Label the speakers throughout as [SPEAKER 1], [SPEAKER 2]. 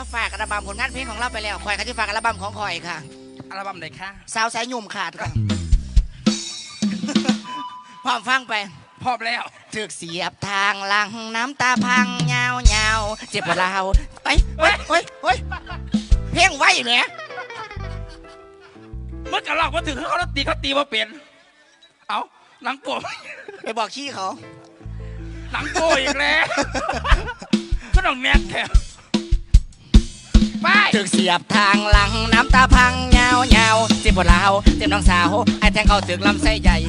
[SPEAKER 1] ฝากอัลบั้มผลงานเพลงของเราไปแล้วคอยกันที่ฝากอัลบั้มของคอยค่ะ
[SPEAKER 2] อัลบั้มไหนคะ
[SPEAKER 1] สาวสายยุ่มขาดค่ะพร้อมฟังไป
[SPEAKER 2] พร้อมแล้ว
[SPEAKER 1] ถึกเสียบทางหลังน้ำตาพังเงาเงาเจ็บปวดเราไปเฮ้ยเพลงไว้เนี่ย
[SPEAKER 2] เมื่อกระลอกมาถึงเขาตีมาเปลี่ยนเอาหนังโป้
[SPEAKER 1] ไปบอกขี้เขา
[SPEAKER 2] หนังโป้อีกแล้วก็ต้องแนกแถวไป
[SPEAKER 1] ถึกเสียบทางหลังน้ำตาพังเงาเงาเจ็บปวดเราเจ็บน้องสาวไอ้แทงเขาถึกลำไส้ใหญ่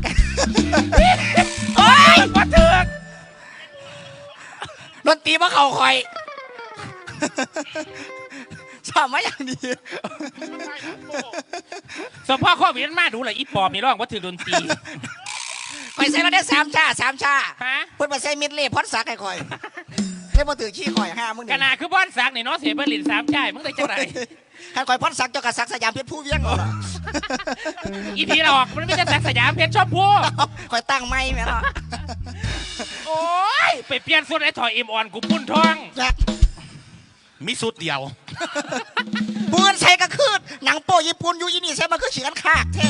[SPEAKER 2] โอ้ยมาถึก
[SPEAKER 1] ดนตรีมาเข่าคอยชอบมาอย่างดี
[SPEAKER 2] สมพ่อข้อเวียนมาดูเลยอีปอบมีร้องว่าถือดนตรี
[SPEAKER 1] คอยใส่เราได้3 ชาเพิ่นมาใส่มิดเล่พอดสักให้คอยเล่นมาถือขี้คอย5มึง
[SPEAKER 2] ขนาดคือบ้านสักนี่เนาะเสียเบอร์ลิน3 ชายมึงได้จังไร
[SPEAKER 1] ท่านคอยพอดสักเจ้ากระสักสยามเพชรผู้เวียงเหรอ
[SPEAKER 2] อีพีเราออกมันไม่ใช่สักสยามเพชรชอบพู
[SPEAKER 1] คอยตั้งไม่แม่เนาะ
[SPEAKER 2] โอ้ยไปเปลี่ยนสุดไอ้ถอยอิมอ่อนกูพุ่นทอง
[SPEAKER 3] มีสุดเดียว
[SPEAKER 1] ปืนใช้กระคืดหนังโป้ญี่ปุ่นอยู่ยี่นี่ใช้มาคือเฉียนขากแท้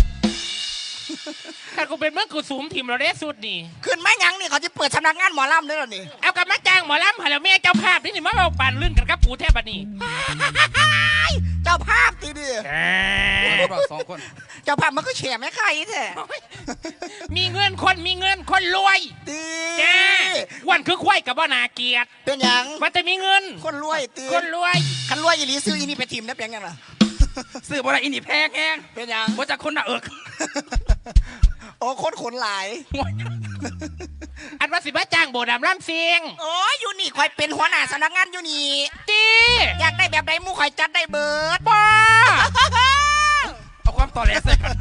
[SPEAKER 2] ถ้ากูเป็นเมื่อกูสูมทีมเราได้สุดนี่
[SPEAKER 1] ขึ้นไม่ยังนี่เขาจะเปิดสำนักงานหมอลำด้วยหรอนี่
[SPEAKER 2] เอากับมาจ้างหมอลำหาแล้วแม่เจ้าภาพนี่มาเอาปั่นลื่นกันกับกูแทบบัดนี้
[SPEAKER 1] เจ้าภาพตีดิ
[SPEAKER 2] 2 คน
[SPEAKER 1] เจ้าภาพมันก็แฉไม่ใครแท้
[SPEAKER 2] มีเงินคนรวย
[SPEAKER 1] ตี
[SPEAKER 2] จ้าวันคือควายกับว่านาเกียรติ
[SPEAKER 1] เป็นยัง
[SPEAKER 2] มันจะมีเงิน
[SPEAKER 1] คนรวยตี
[SPEAKER 2] คนรวย
[SPEAKER 1] คันรวยอีหลีซื้ออีนี่ไปทีมได้เป็นยังไง
[SPEAKER 2] ซื้อบ่ได้อีนี่แพงแห้ง
[SPEAKER 1] เป็นยัง
[SPEAKER 2] ว่าจะคนน่ะ
[SPEAKER 1] โอ้คนขนหลาย
[SPEAKER 2] อันว่าสิบ้าจ้างโบดำร่ำเสียง
[SPEAKER 1] โอ้ยอยู่นี่คอยเป็นหัวหน้าสำนักงานอยู่นี่
[SPEAKER 2] ตี
[SPEAKER 1] อยากได้แบบใดมูคอยจัดได้เบิร์ด
[SPEAKER 2] ป้าเอาความต่อแหลใส่กัน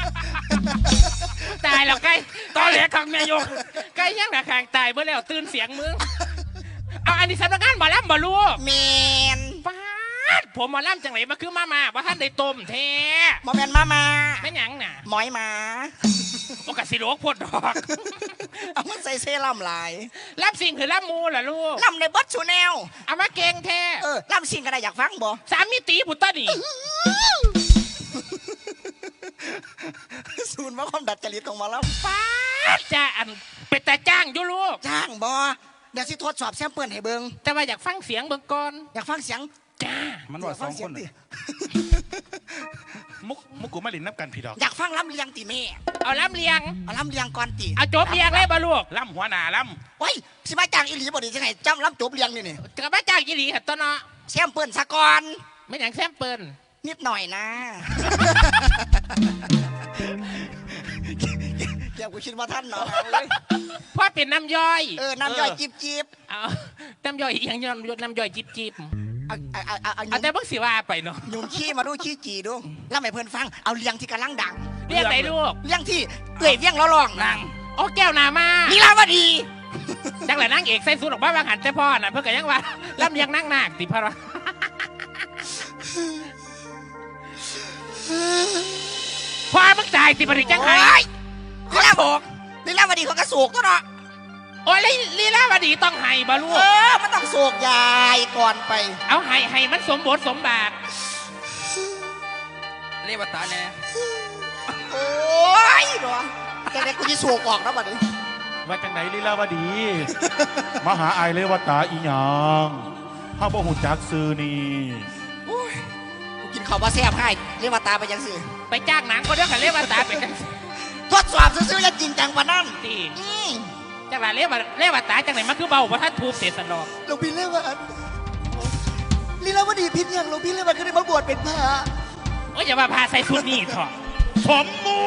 [SPEAKER 2] ตายแล้วใกล้ต่อแหลขังแม่ยกใกล้ยังหน้าคางตายเมื่อแล้วตื่นเสียงมึงเอาอันนี้สำนักงานบ่ล่ำบ่รู้
[SPEAKER 1] เมน
[SPEAKER 2] ป้าผมมาล่ำจังไหนมาคือมาว่าท่านได้ต้มแท้
[SPEAKER 1] มาแมนมา
[SPEAKER 2] ไม่หยังน่ะ
[SPEAKER 1] หมอยมา
[SPEAKER 2] โอกาสสิโลกพดดอก
[SPEAKER 1] เอามันใส่เซรั่มลาย
[SPEAKER 2] ล่ำสิ่งคือล่ำมูล่ะลูก
[SPEAKER 1] ล่ำในบัตชูแนว
[SPEAKER 2] เอามาเก่งแท้
[SPEAKER 1] ล่ำสิ่งก็ได้อยากฟังบ่
[SPEAKER 2] 3 มิติพุทธนี่
[SPEAKER 1] ศูนย์ว่าความดัดจริตของมาแล้ว
[SPEAKER 2] ป้าจ้าอันเป็นแต่จ้างอยู่ลูก
[SPEAKER 1] จ้างบ่เดี๋ยวสิทดสอบแซมเปิลให้เบิ่ง
[SPEAKER 2] แต่ว่าอยากฟังเสียงเบิ่งก่อน
[SPEAKER 1] อยากฟังเสียง
[SPEAKER 2] จ้า
[SPEAKER 3] มันว่า2 คนมุกกูมาลินนับกันพี่ดอก
[SPEAKER 1] อยากฟังล้ำเลียงติแม่
[SPEAKER 2] เอาล้ำเลียง
[SPEAKER 1] ก่อนติ
[SPEAKER 2] เอาจบเลียงเลยบ่ลูก
[SPEAKER 3] ล้ำหัวหน้าล้
[SPEAKER 1] ำโอ้ยสิมาจ้างอีหลีบ่ดีจังไงจำล้ำจบเลียงนี่
[SPEAKER 2] กับมาจ้างอีหลีเหรอตัวเนาะ
[SPEAKER 1] แซมเปิลซะก่อน
[SPEAKER 2] ไม่อย่างแซมเปิล
[SPEAKER 1] นิดหน่อยนะเดี๋ยวกูคิดว่าท่านเนาะ
[SPEAKER 2] พ่อเป็นน้ำย่อย
[SPEAKER 1] น้ำย่อยจิบ
[SPEAKER 2] เอาน้ำย่อยอย่างน้ำย่อยจิบเอาแต่เพิ่งสิว่าไปเนาะ
[SPEAKER 1] ยุ่งขี้มาดูขี้จีดูแล้วไม่เพื่อนฟังเอาเลียงที่กำลังดัง
[SPEAKER 2] เรียกไหนลูก
[SPEAKER 1] เลียงที่เอื่อยเวียงร้อง
[SPEAKER 2] นางโอ้แก้วนามา
[SPEAKER 1] ลีลาวดี
[SPEAKER 2] จังเลยนั่งเอกใส่สูทออกบ้านวางหันแต่พ่อน่ะเพื่อกันยังว่าล่ำยังนั่งนาคติพระพ่อมึงตายติปริจังไห้
[SPEAKER 1] ลีลาวดีลีลาวดีเขากระสูกตัวเนาะ
[SPEAKER 2] โอ้ยลีลาวดีต้องไห้บาลูก
[SPEAKER 1] มันต้องโศกยายก่อนไป
[SPEAKER 2] เอาไห้มันสมบทสมบาทเรียกว่าตาแน่
[SPEAKER 1] โอ้ยเนาะแต่เด็กกูจะโศกออกนะบัดนี้
[SPEAKER 3] ว่าจังไหนลีลาวดีมหาไอเลวตาอีหยังข้าบ่หูจักซื้อนี่
[SPEAKER 1] กูกินข้าวมาแซ่บให้เลวตาไปยังสิ
[SPEAKER 2] ไปจ้างหนังก็เรื่องกับเลวตาไปกัน
[SPEAKER 1] ทดสอบซื้อๆจะจริงจังกว่านั้น
[SPEAKER 2] สิจังไรเรียกว่าตายจังไหนมันคือเบาเพราะท่านทูบเสียสนอง
[SPEAKER 1] หลวงพี่เรียกว่าลีลาวดีพิษยังหลวงพี่เรียกว่าคือได้มาบวชเป็นพระ
[SPEAKER 2] โอ้ยอย่ามาพาใส่ชุดนี่เถอะสมมู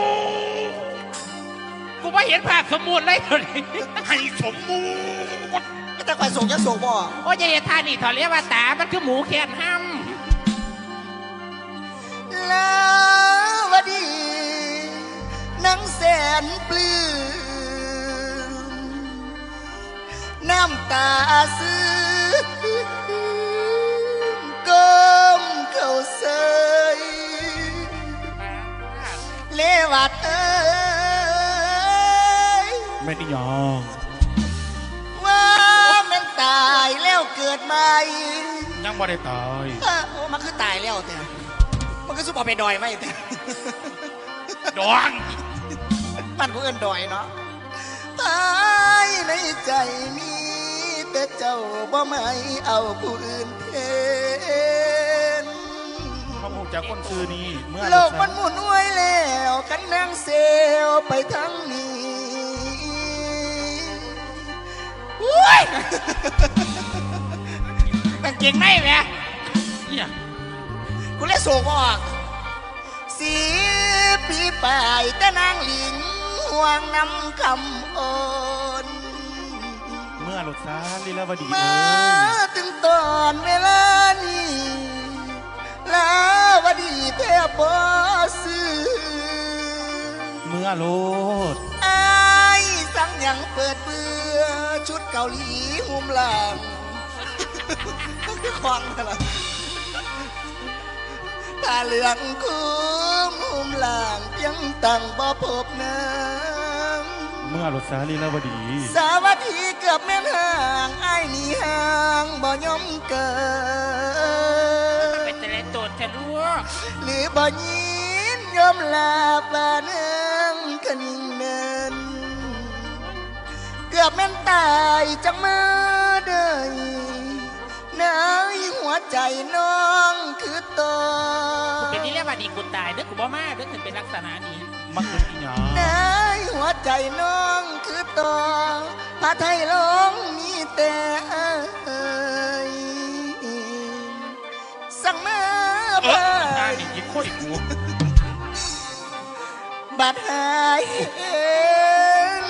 [SPEAKER 2] กูไม่เห็นภาพสมมูลเลยเลย
[SPEAKER 3] ให้สมมู
[SPEAKER 1] ก็แต่ใครส่งจะส่งบ่
[SPEAKER 2] โอ้ยอย่าเห็นท่านี่เถอะเรียกว่าตามันคือหมูแขนห้
[SPEAKER 1] ำลาวดีนังแสนปลื้มน้ำตาซื้อก้มเข้าเสยเลวัด
[SPEAKER 3] ไม่ได้ยอม
[SPEAKER 1] ว่ามันตายแล้วเกิดใหม่
[SPEAKER 3] ยังบ่ได้ตาย
[SPEAKER 1] โอ้มันคือตายแล้วแต่มันก็สู้เอาไปดอยไหมแต่
[SPEAKER 3] ดอง
[SPEAKER 1] มันก็เอิ้นดอยเนาะตายในใจมีแต่เจ้าบ่ไม่เอาผู้อื่นเทน
[SPEAKER 3] พระองค์จากคนซื้อนี้เมื่อ
[SPEAKER 1] โลกมันหมุนไว้แล้วกันนางเซลไปทั้งนี้อุ้ยมันเก่งไหมแม่
[SPEAKER 3] เนี่ย
[SPEAKER 1] กูเลยโศกออกสีปีปลายแต่นางหลิงห่วงน้ำคำอ่อน
[SPEAKER 3] เมื่อรถซาลีลาวดี
[SPEAKER 1] มา
[SPEAKER 3] เอ้ย
[SPEAKER 1] ถึงตอนเวลานี้ลาวดีแทบบ่ซื้อ
[SPEAKER 3] เมื่อโลด
[SPEAKER 1] ไอ้ายสั่งยังเปิดเบื่อชุดเกาหลีหุ้มหลังคือควางอะไรผ้าเหลืองคุ้มหุ้มหลังยังตั้งบ่พบน้ำ
[SPEAKER 3] เมื่อรถซาลีลาวดี
[SPEAKER 1] สาวัตถีเกือบแม่นห่างไอ้ายหนีห่างบ่ยอมเกิด
[SPEAKER 2] เป็นแต่ละตัวแต่ลูก
[SPEAKER 1] หรือบ่ยินยอมลาบาเนืองกะนิ่งเนินเกือบแม่นตายจังมาได้ในหัวใจน้องคือตอ
[SPEAKER 2] กูเป็นนี่เรียกว่าดีกูตายเด้อกูบ่มาเด้อถึงเป็นลักษณะนี้
[SPEAKER 3] มันคืออีหยัง
[SPEAKER 1] ในหัวใจน้องคือตอพระไทยลงมีแต่เอ่ยสั่งมา
[SPEAKER 3] เอ
[SPEAKER 1] ไป
[SPEAKER 3] อตาดิยิงโคตรกู
[SPEAKER 1] บัดหายเอง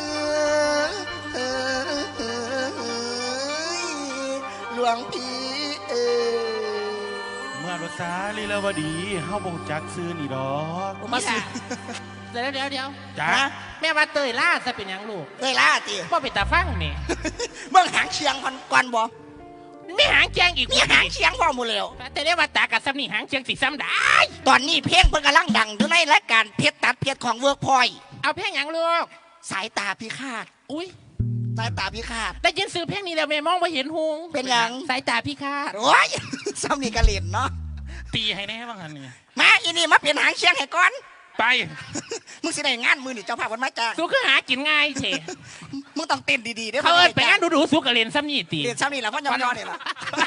[SPEAKER 1] หลวงพี่เอ๋ย
[SPEAKER 3] เมื่อรถซาลีลาวดีเฮาบ่รู้จักซื้อนี่ดอก
[SPEAKER 1] มาสิ
[SPEAKER 2] เดี๋ยว
[SPEAKER 3] จ้า
[SPEAKER 2] แม่ว่าเตยล่าจะเป็นหยังลูก
[SPEAKER 1] เลยล่าตี
[SPEAKER 2] พ่อเป็นตาฟังนี่
[SPEAKER 1] เบิ่งหางเชียงก่อนบ่
[SPEAKER 2] ไม่หางแจงอีก
[SPEAKER 1] มีหางเชียงพ่อหมูแล้ว
[SPEAKER 2] แต่เรียกว่าตากับซ้ำนี่หางเชียงสีซ้ำได้
[SPEAKER 1] ตอนนี้เพลงเพิ่งกำลังดังอยู่ในรายการเพชรตัดเพชรของเวิร์กพอย
[SPEAKER 2] เอาเพลงหยังลูก
[SPEAKER 1] สายตาพิฆาต
[SPEAKER 2] อุ้ย
[SPEAKER 1] สายตาพิฆาต
[SPEAKER 2] ได้ยินซื้อเพลงนี้แล้วแม่มองไปเห็นหง
[SPEAKER 1] เป็นหยัง
[SPEAKER 2] สายตาพี่คาด
[SPEAKER 1] โอ้ย ซ้ำนี่กระเล่นเนาะ
[SPEAKER 3] ตีให้แน่บ้างหันนี่
[SPEAKER 1] มาอีนี่มาเปลี่ยนหางเชียงให้ก่อน
[SPEAKER 3] ไป
[SPEAKER 1] มึงสิได้งานมือนี่เจ้าภาพวันมาจ้าง
[SPEAKER 2] สู้คือหากินง่ายเฉ
[SPEAKER 1] มึงต้องเต้นดีๆเด้อ
[SPEAKER 2] เขาเอินไปงานดูๆสู้กับเรียนซ้ำนี่ตี
[SPEAKER 1] เรียนซ้ำนี่แหละพ่อยอๆนี่แหละ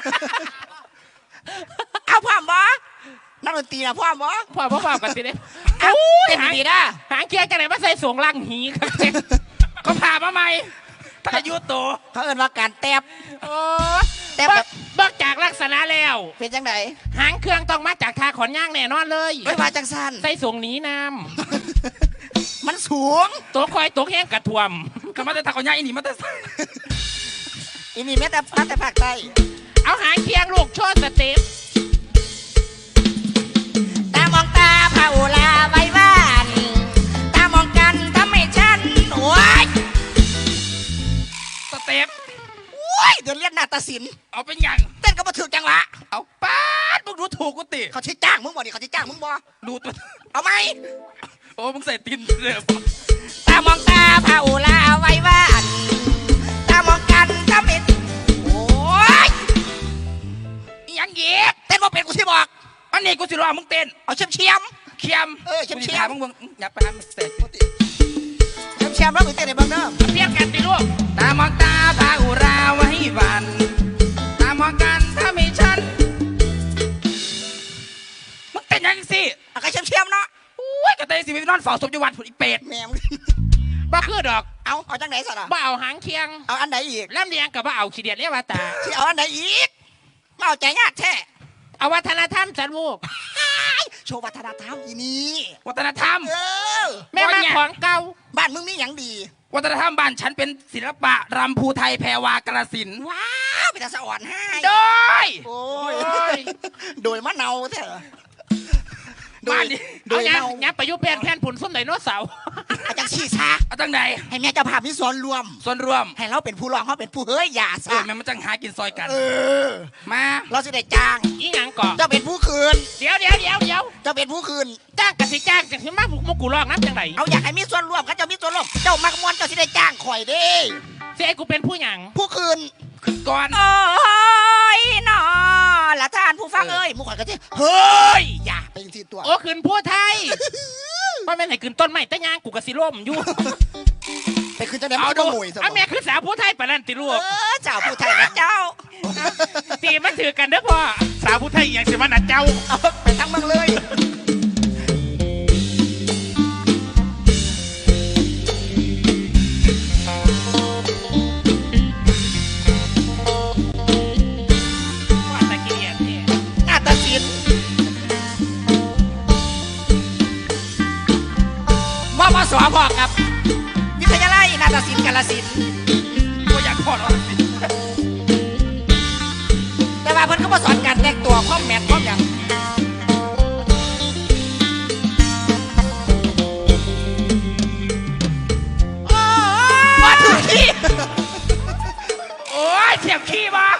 [SPEAKER 1] เอาพ่อมบ่นักดนตรีนะพ่อมบ่
[SPEAKER 2] พ่อกันสิเด้
[SPEAKER 1] เอาเต้น
[SPEAKER 2] หาง
[SPEAKER 1] ดีๆนะ
[SPEAKER 2] หางเกียร์กันไหนมาใส่สวงล่างหีครับเจ๊ก็พามาใหม่ถ้าอายุโต
[SPEAKER 1] เขาเอิ้นว่าการแตบ
[SPEAKER 2] โอ้
[SPEAKER 1] แต่แบบ
[SPEAKER 2] เบิกจากลักษณะแล้ว
[SPEAKER 1] เป็นจังได
[SPEAKER 2] หางเครื่องต้องมาจากทาขอนย่างแน่นอนเลย
[SPEAKER 1] ไม่ว่าจังสัน
[SPEAKER 2] ใส่สวงหนีน้
[SPEAKER 1] มันสูง
[SPEAKER 2] ำตัวคอยตัวแห้งกระท่วม
[SPEAKER 4] ก็มาแต่ตะกอนย่าอีนี่มาแต่
[SPEAKER 1] อีนี่แม้แต่ภาคใต้
[SPEAKER 2] เอาหางเคียงลูกโชว์สเต็ป
[SPEAKER 1] ตามองตาพาโอลาไว้บ้านตามองกันทำให้ฉันโอ้ย
[SPEAKER 4] สเต็ป
[SPEAKER 1] โอ้ยเดี๋ยวเรียกนาฏศิลป์
[SPEAKER 4] เอาเป็นหยัง
[SPEAKER 1] เต้นก็มาถึกจังหวะ
[SPEAKER 4] เอาป้าดมึงดูถูกกูติ
[SPEAKER 1] เขาใช้จ้างมึงบ่ดิเขาใช้จ้างมึงบ่
[SPEAKER 4] ดูตัว
[SPEAKER 1] เอาไหม
[SPEAKER 4] โอ้มึงใส่ตีนเลย
[SPEAKER 1] ตามองตาพาโอลาไว้บ้านตามองกันทำให้โอ้ย
[SPEAKER 4] อีหยังเหยียบ
[SPEAKER 1] เต้นบ่เป็นกูสิบอก
[SPEAKER 4] อันนี้กูสิรอมึงเต้น
[SPEAKER 1] เอาเชียมเชียม
[SPEAKER 4] เคียม
[SPEAKER 1] เชี่ยม
[SPEAKER 4] กูสิถามมึงอย่าไปหามึงเสร็จ
[SPEAKER 1] เชียมเชียมแล้วมึงเต้นในบ้างเด้อ
[SPEAKER 2] เพี้ยนกันสิลูก
[SPEAKER 4] ตามองตาพาอุราไว้วัน ตามองกันถ้าไม่ฉันมึงเต้นหยังสิ
[SPEAKER 1] เอาใครเชียมเชียมเนาะ
[SPEAKER 4] โอ้ยก็เต้นสิไปนอนเฝ้าศพอยู่วัดผุดอีเป็ด
[SPEAKER 1] แม่มึง
[SPEAKER 2] บ่คือดอก
[SPEAKER 1] เอาจังไหนสัตว์อ่ะ
[SPEAKER 2] บ่เอาหางเคียง
[SPEAKER 1] เอาอันไหนอีก
[SPEAKER 2] แล่มเลียงกับบ่เอาขี้เดียดเรียกว่าตา
[SPEAKER 1] ที่เอาอันไหนอีกมาเอาใจยากแท้
[SPEAKER 2] เอาวัฒนธรรมจันลูก
[SPEAKER 1] โชว์วัฒนธรรมอีนี่
[SPEAKER 4] วัฒนธรรม
[SPEAKER 1] เออ
[SPEAKER 2] แม่มาของเก่า
[SPEAKER 1] บ้านมึงมีอย่างดี
[SPEAKER 4] วัฒนธรรมบ้านฉันเป็นศิลปะรำภูไทยแพรวากระสินธุ์
[SPEAKER 1] ว้าวเป็นตาสะอ่อนให้
[SPEAKER 4] โดย
[SPEAKER 1] โอ้
[SPEAKER 2] โอ้
[SPEAKER 1] ย
[SPEAKER 2] ย
[SPEAKER 1] โดยมะเนาแท้โด
[SPEAKER 4] บ้าย นนี้
[SPEAKER 1] โด
[SPEAKER 2] เอา
[SPEAKER 1] ย
[SPEAKER 2] เนี้ย
[SPEAKER 1] เนา
[SPEAKER 2] เนี้ยประยุกต์แผ่นผุนส้นไดโนเสาร์
[SPEAKER 1] อาจารย์ชี้ชา
[SPEAKER 4] เอาตั้งไหน
[SPEAKER 1] ให้แม่เจ้าภาพมีส่วนรวม
[SPEAKER 4] ส่วนรวม
[SPEAKER 1] ให้เราเป็นผู้ร้องเขาเป็นผู้เฮ้ยอย่า
[SPEAKER 4] เอ
[SPEAKER 1] ซะ
[SPEAKER 4] อแม่มันจังหากินซอยกัน
[SPEAKER 1] เออ
[SPEAKER 4] มา
[SPEAKER 1] เราสิได้จ้าง
[SPEAKER 2] อีหยังก่อน
[SPEAKER 1] เจ้าเป็นผู้คืน
[SPEAKER 2] เดี๋ยว
[SPEAKER 1] เจ้าเป็นผู้คืน
[SPEAKER 2] จ้างกสิจ้างจะขึ้นมาบุกมุกกูลอกน้ำจังไร
[SPEAKER 1] เอาอยากให้มีส่วนร่วมเขาเจ้ามีส่วนร่วมเจ้ามักมวนเจ้าสิได้จ้างข่อยเด้
[SPEAKER 2] เสียกูเป็นผู้หยัง
[SPEAKER 1] ผู้คืน
[SPEAKER 4] ขึ้นก่อน
[SPEAKER 1] โอ้ยยหนอละท่านผู้ฟังเอ้ยหมู่ข่อยก็สิเฮ้ยอย่าไปจังซี่ตัว
[SPEAKER 2] โอ้ขึ้นผู้ไทยว่าแม่นไหนขึ้นต้นไม้ตะยางกูกะสิล่มอยู่
[SPEAKER 1] ไปขึ้นจังได๋มันก็งวยซะ
[SPEAKER 2] เอาแม่ขึ้นสาวผู้ไทยปานนั้นติลูก
[SPEAKER 1] เจ้าผู้ไทยนะเจ้า
[SPEAKER 2] ตีมันถือกันเด้อพ่อ
[SPEAKER 3] สาวผู้ไทยอย่างสิมันน่ะเจ้า
[SPEAKER 1] เอาไปทั้งเมืองเลย
[SPEAKER 2] ว่าตะเกียบเนี่ย
[SPEAKER 1] นาฏศิลป์มปสพอกับวิทยาลัยนาฏศิลป์กาฬสินธุ์
[SPEAKER 4] ก็อยากพอแล้ว
[SPEAKER 1] แต่ว่าเพิ่นก็มาสอนการแต่งตัวความแมทความหยังมาถึงที่
[SPEAKER 2] โอ้ยเทียบขี้มา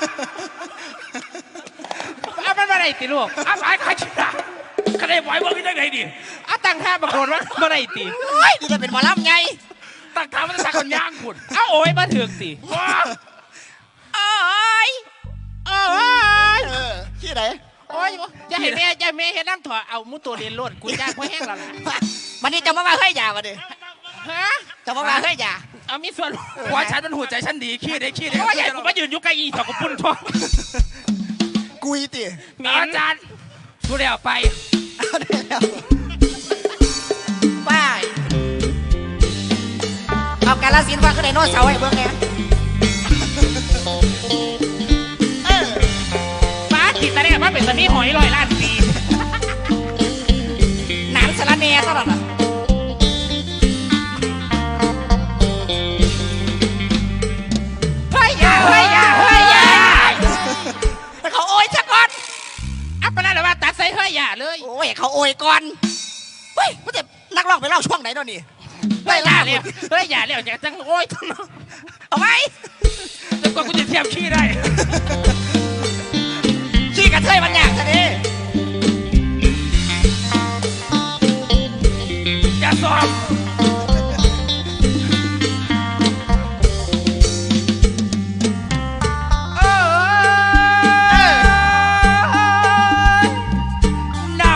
[SPEAKER 2] เอามันมาได้ติลูกเอาไปใครชิดะก็ได้ไหวเบิ่งได้ไงดิเอาตั้งท่าบังโดนว่ามาได้ติ
[SPEAKER 1] โอ้ยนี่จะเป็นหมอลำไง
[SPEAKER 2] ตั้งท่ามันจะสักคนย่างคุณเอาโอ้ยมาถึงติว้า
[SPEAKER 1] โอ้ย
[SPEAKER 2] โอ้ย
[SPEAKER 1] ที่ไหน
[SPEAKER 2] โอ้ยอย่าให้แม่เห็นน้ำถอดเอามุตัวเรียนรวดกูจ้างพ่อแห้งแล้วล่ะ
[SPEAKER 1] วันนี้จะมาเฮ้ยอย่ามาดิ
[SPEAKER 2] ฮะ
[SPEAKER 1] จะมาเฮ้ยอย่า
[SPEAKER 2] เอามีส่วน
[SPEAKER 4] หัวฉันมันหัวใจฉันดีขี้ได้ขี้ได้
[SPEAKER 2] เพราะว่าใหญ่กูมายืนอยู่ใกล้อีถอดกูปุ่นท้อง
[SPEAKER 1] กุยติ
[SPEAKER 2] เมีย
[SPEAKER 4] อาจารย์กูเดี๋ยวไป
[SPEAKER 1] เอาได้แล้วไปเอากาลสินธุ์ว่าก็ได้โน้ตเสาไอ้เบิ่งไง
[SPEAKER 2] ฟ้าจิตตะเนี่ยว่าเป็นตะนี้หอยลอยล้านปี
[SPEAKER 1] หนานสารเนตลอดอ่ะเฮ้ยอย่าเฮ้ยอย่าเฮ้ยอย่าแต่เขาโอยซะก่อน
[SPEAKER 2] อัปปะนั่นแหละว่าตัดใส่เฮ้ยอย่าเลย
[SPEAKER 1] โอ้ยเขาโอยก่อนเฮ้ยมันจะนักร้องไปเล่าช่วงไหนเนาะนี่
[SPEAKER 2] เฮ้ยอย่าเร็วเฮ้ยอย่าเร็วจะจังโอ้ย
[SPEAKER 1] เอาไหม
[SPEAKER 2] จนกว่ากูจะเทียบขี้ได้
[SPEAKER 1] ขี้กระเทยมันยากซะดิ
[SPEAKER 2] อย่าสอบ
[SPEAKER 1] นะ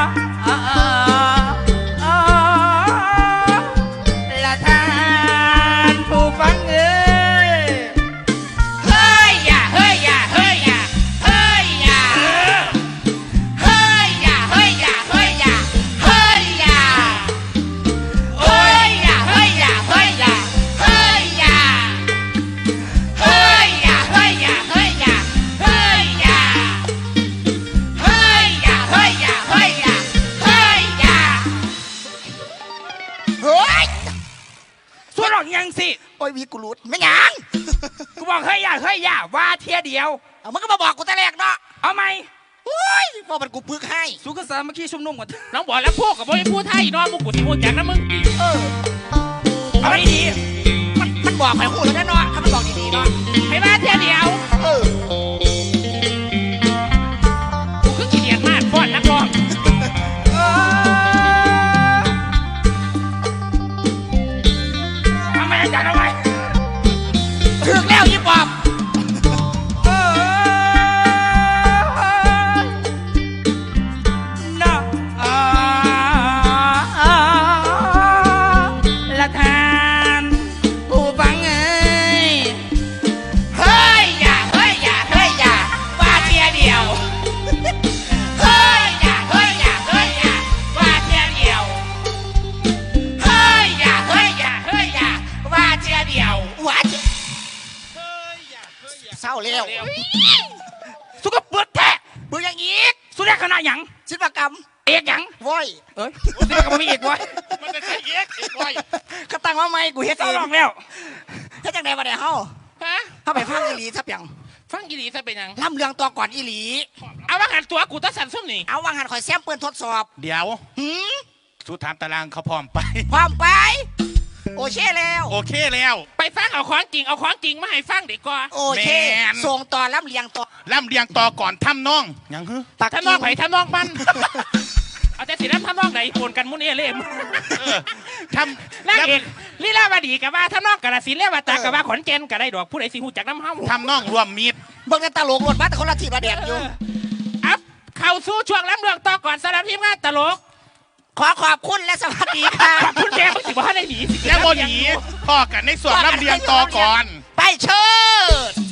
[SPEAKER 1] ละท่านผู้ฟังเอ้ยเฮ้ยอย่าเฮ้ยอย่าเฮ้ยอย่าเฮ้ยอย่าเฮ้ยอย่าเฮ้ยอย่าเฮ้ยอย่าเฮ้ยอย่าเฮ้ยอย่าเฮ้ยอย่าเฮ้ยอย่าเฮ้ยอย่าเฮ้ยอย่าเฮ้ยอย่าเฮ้ยอย่าเฮ้ยอย่า เฮ้ยอย่าเฮ้ยอย่าเฮ้ยอย่าเฮ้ยอย่าเฮ้ย
[SPEAKER 2] ส่วนหลอกยังสิ
[SPEAKER 1] โอ้ยวีกูรูดไม่หยัง
[SPEAKER 2] กูบอกเฮ้ยอย่าว่าเทียเดียว
[SPEAKER 1] เอามึงก็มาบอกกูแต่แรกเนาะ
[SPEAKER 2] เอาไหม
[SPEAKER 1] โอ้ยบอกมันกูปึกให้
[SPEAKER 4] สุขสามัคคีชุมนุมกัน
[SPEAKER 2] น้องบอกแล้วพวกกับพ่อพูดไทยนอนมึงกูสิพูดจากนั้นมึง เอาดี
[SPEAKER 1] มันบอกให้หูแล้วนะเนาะถ้ามันบอกดีๆเนาะ
[SPEAKER 2] ๆให้มาเทียเดียว
[SPEAKER 1] เออ
[SPEAKER 2] กูคือขี้เกียจมากฟ้อนนักร้องทำไมอาจารย์ทำไม
[SPEAKER 1] ถึงแล้วยี่ปอบ
[SPEAKER 4] ละทานผู้ฟังเอ้ย
[SPEAKER 1] เฮ้ยอย่าเฮ้ยอย่าเฮ้ยอย่าว่าเทียเดียวเฮ้ยอย่าเฮ้ยอย่าเฮ้ยอย่าว่าเทียเดียวเฮ้ยอย่าเฮ้ยอย่าเฮ้ยอย่าว่าเทียเดียวว่าเทียเศร้าเร็ว
[SPEAKER 2] สุกเปิดแท้
[SPEAKER 1] มึงยังอีก
[SPEAKER 2] สุดแรกขนาดหยัง
[SPEAKER 1] ศิลปกรรม
[SPEAKER 2] เอกหยัง
[SPEAKER 1] ว้ย
[SPEAKER 2] เอ้ยสุดแรกก็ไม่มีเอกวะ
[SPEAKER 3] มันเป็นไอ้เอกว้ย
[SPEAKER 1] เขาตั้งมาใหม่กูเฮ็ด
[SPEAKER 2] เศร้า
[SPEAKER 1] เอง
[SPEAKER 2] ร้องแล้ว
[SPEAKER 1] เฮ็ดจังได๋บ่ได้เฮา
[SPEAKER 2] ฮะ
[SPEAKER 1] เฮาไปฟังอีหลีซะเปียง
[SPEAKER 2] ฟังกี่ดีซะเป็นหยัง
[SPEAKER 1] ล่ำเรื่องตัวก่อนอีหลี
[SPEAKER 2] เอาว่าหันตัวกูต้องสั่นส้มนี่
[SPEAKER 1] เอาวางหันข่อยแซมเปิ้นทดสอบ
[SPEAKER 3] เดี๋ยว
[SPEAKER 1] หืม
[SPEAKER 3] สุดถามตารางเขาพร้อมไป
[SPEAKER 1] พร้อมไป โอเคแล้ว
[SPEAKER 3] โอเคแล้ว
[SPEAKER 2] ไปฟังเอาของจริงเอาของจริงมาให้ฟังดีกว่า
[SPEAKER 1] โอเค
[SPEAKER 3] แม่น
[SPEAKER 1] ส่งต่อล่ำเลียงต่อ
[SPEAKER 3] ล่ำเรียงต่อก่อนทำน้องยังฮึ
[SPEAKER 1] ปัก
[SPEAKER 2] ถ้าน้องไผ่ถ้าน้องมัน เอาแต่สิน้ำถ้าน้องไหนโกนกันมุนเอเล่ม
[SPEAKER 3] ท
[SPEAKER 2] นางเอกลีลาวดีกับว่าถ้าน้องกระสินเรียกว่าตากับว่าขอนแก่นก็ได้ดอกผู้ใดสิหูจักน้ำเฮา
[SPEAKER 3] ทำน้องรวมมิตร
[SPEAKER 1] เบิ่งในตลกรถบัสแต่คนละทีประเด็นอยู่
[SPEAKER 2] อัพเข้าสู่ช่วงล้ำเรื่องต่อก่อนสำหรับทีมงานตลก
[SPEAKER 1] ขอขอบคุณและสวัสดีค่ะ
[SPEAKER 2] ขอบคุณแกมึงสิบ่ให้ได้หนีสิ
[SPEAKER 5] ยังบ่หนีพ่อกันในส่วนรับเรียงต่อก่อน
[SPEAKER 1] ไปเชิด